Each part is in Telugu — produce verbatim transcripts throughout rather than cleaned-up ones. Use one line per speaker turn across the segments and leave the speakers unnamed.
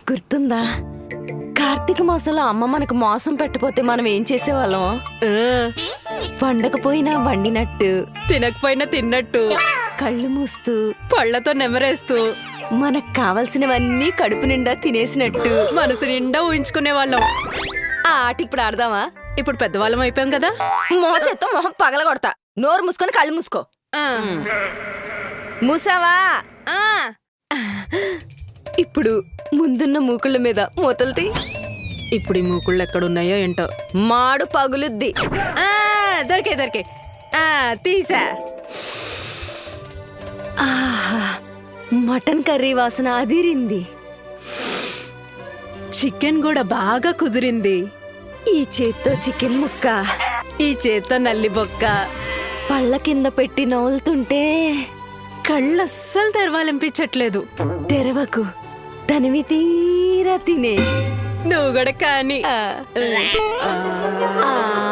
గుర్తుందా కార్తీక మాసంలో అమ్మ మనకు మోసం పెట్టపోతే మనం ఏం చేసేవాళ్ళం? వండకపోయినా వండినట్టు,
తినకపోయినా తిన్నట్టు,
కళ్ళు మూస్తూ
పళ్లతో నెమరేస్తూ,
మనకు కావలసినవన్నీ కడుపు నిండా తినేసినట్టు
మనసు నిండా ఊహించుకునే వాళ్ళం.
ఆ ఆట ఇప్పుడు ఆడదామా?
ఇప్పుడు పెద్దవాళ్ళం అయిపోయాం కదా.
మోచేత్తో మొహం పగలగొడతా. నోరు మూసుకొని కళ్ళు మూసుకో.
ఆ.
మూసావా?
ఆ.
ఇప్పుడు ముందున్న మూకుళ్ళ మీద మూతలు.
ఇప్పుడు ఈ మూకుళ్ళు ఎక్కడున్నాయో ఏంటో.
మాడు పగులుద్ది.
ఆ, దొరికే దొరికే ఆ తీసా.
ఆహా, మటన్ కర్రీ వాసన అదిరింది.
చికెన్ కూడా బాగా కుదిరింది.
ఈ చేత్తో చికెన్ ముక్క,
ఈ చేత్తో నల్లి బొక్క.
పళ్ళ కింద పెట్టి నవ్వులుతుంటే
కళ్ళు అస్సలు తెరవాలనిపించట్లేదు.
తెరవకు, తనివి తీరా తినే.
నువ్వు కూడా కానీ.
ఆ. ఆ.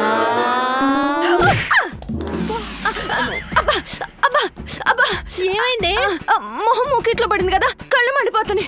అబ్బా, అబ్బా, అబ్బా.
ఏమైంది?
ఆ, మొహం మూకిట్లో పడింది కదా, కళ్ళు మండిపోతున్నాయి.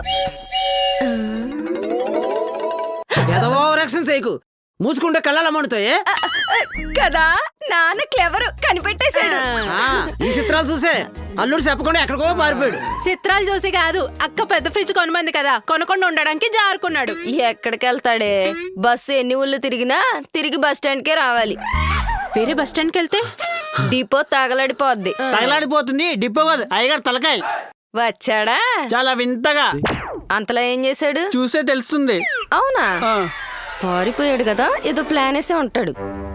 ఎదవో రక్షణ చేయకు, మూసుకుంటే కళ్ళ మండుతాయే
కదా, నాన్న క్లెవర్ కనిపెట్టేశాడు.
ఆ, ఈ చిత్రాలు చూసే అల్లుడు చెప్పకుండా ఎక్కడికో మారిపోయాడు.
చిత్రాలు చూసి కాదు, అక్క పెద్ద ఫ్రిడ్జ్ కొనమంది కదా, కొనకుండా ఉండడానికి జారుకున్నాడు.
ఎక్కడికి వెళ్తాడే? బస్సు ఎన్ని ఊళ్ళు తిరిగినా తిరిగి బస్ స్టాండ్ కే రావాలి.
వేరే బస్ స్టాండ్కి వెళ్తే
డిపో తగలడిపోద్ది.
తగలాడిపోతుంది డిపో కాదు, అయ్యగారు తలకాయ.
వచ్చాడా?
చాలా వింతగా.
అంతలో ఏం చేశాడు?
చూసే తెలుస్తుంది.
అవునా?
ఆ.
పారిపోయాడు కదా, ఏదో ప్లాన్ వేసే ఉంటాడు.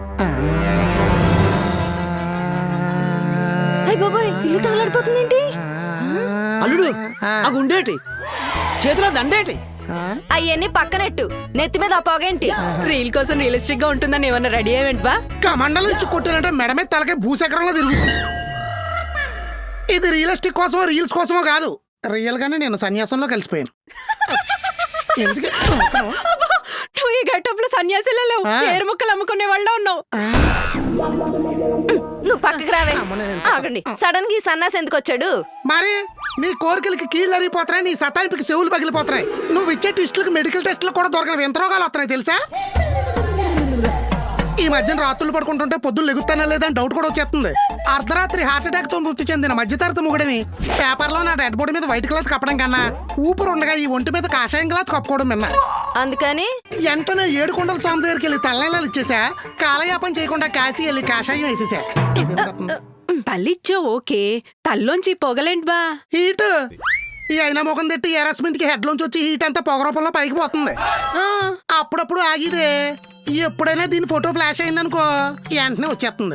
అయ్య బాబోయ్, ఇల్లు తగలడిపోతుంది ఏంటి?
అల్లుడు ఆ గుండేటి, చేతిలో దండేటి.
అయ్యన్ని పక్కనెట్టు, నెత్తి మీద ఆ పొగేంటి?
రీల్ కోసం రియలిస్టిక్ గా ఉంటుందని ఏమన్నా రెడీ అయ్యేంటి బా?
కమండలు ఇచ్చి కొట్టానంటే మెడ మీద తలకే భూసకరంలో తిరుగుతుంది. ఇది రియలిస్టిక్ కోసమో రీల్స్ కోసమో కాదు, రియల్ గానే నేను సన్యాసంలో కలిసిపోయాను. ఎందుకు
నువ్వు ఈ గెటప్ లో సన్యాసిలో లేవు, పేరు ముక్కలు అమ్ముకునే వాళ్ళ ఉన్నావు.
నువ్వు పక్కకి రావే. ఆగండి, సడన్ గా ఈ సన్నాసి ఎందుకు వచ్చాడు?
మరి నీ కోరికలకి కీళ్ళు అరిగిపోతున్నాయి, నీ సతాయింపుకి చెవులు పగిలిపోతున్నాయి. నువ్వు ఇచ్చే టెస్టులకు మెడికల్ టెస్టులు కూడా దొరకని వింత రోగాలు వస్తున్నాయి తెలుసా? ఈ మధ్యన రాత్రులు పడుకుంటుంటే పొద్దులు లెగుతానా లేదని డౌట్ కూడా వచ్చేస్తుంది. అర్ధరాత్రి హార్ట్ అటాక్ తో మృతి చెందిన మధ్యతరగతి మొగుడిని పేపర్లో నా డెడ్ బాడీ మీద వైట్ క్లాత్ కప్పడం కన్నా ఊపిరి ఉండగా ఈ ఒంటి మీద కాషాయం క్లాత్ కప్పుకోవడం విన్నా.
అందుకని
వెంటనే ఏడు కొండల స్వామి దగ్గరికి వెళ్ళి తల్లనీళ్ళు ఇచ్చేసా. కాలయాపన చేయకుండా కాశీ వెళ్ళి కాషాయం వేసేసా.
తల్లిచ్చో ఓకే, తల్లోంచి పొగలేంటి బా?
హీట్ ఈ అయినా ముఖం తిట్టి హెరాస్మెంట్ కి హెడ్ లోంచి వచ్చి హీట్ అంతా పొగ రూపంలో పైకి పోతుంది. అప్పుడప్పుడు ఆగిదే, ఎప్పుడైనా దీని ఫోటో ఫ్లాష్ అయిందనుకో వెంటనే వచ్చేస్తుంది.